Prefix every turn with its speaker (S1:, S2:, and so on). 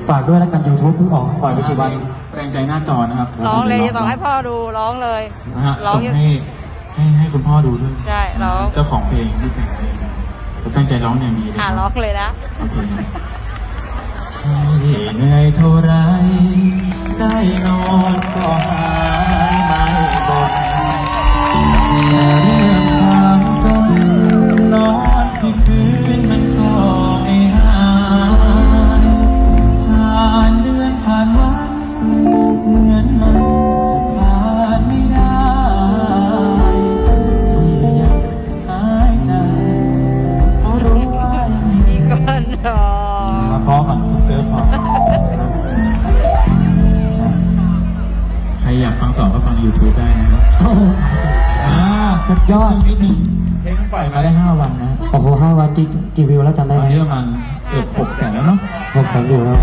S1: ฝากด้วยแล้วกัน YouTube เพิ่งออกปล่อยไปกี่วัน
S2: แรงใจหน้าจอนะครับ
S3: ร้องเลยจะต้องให้พ่อดูร้องเลย
S2: นะฮะ
S3: ร้อง
S2: ส่งให้คุณพ่อดูด้วย
S3: ใช่ร้อง
S2: เจ้าของเพลงที่แต่งเพลงผมตั้งใจร้องอย่างดีเลย
S3: ร้องเลยนะ
S2: โอเคให้เหนื่อยเท่าไรได้นอนก็หายไม่บ่นแต่เรื่องความจนนอนที่คืนมันก็ไม่หายผ่านเดือนผ่านวันเหมือนมันจะผ่านไม่ได้ที่ยังหายใจเพราะรู้ว่ายังมี
S3: อีกคนรอ
S2: มาพอก่อนคุณเซิร์ฟพอใครอยากฟังต่อก็ฟัง YouTube ได้นะครับ
S1: สุดยอด
S2: นิดนึงเพลงปล่อยมาได้ 5 วันนะ
S1: โอ้โห5 วันกี่วิวแล้วจำได้
S2: ต
S1: ไห
S2: อน
S1: ม
S2: นี้ประมาณเกือบ600,000แล้วเนาะ
S1: 600,000 วิวแล้ว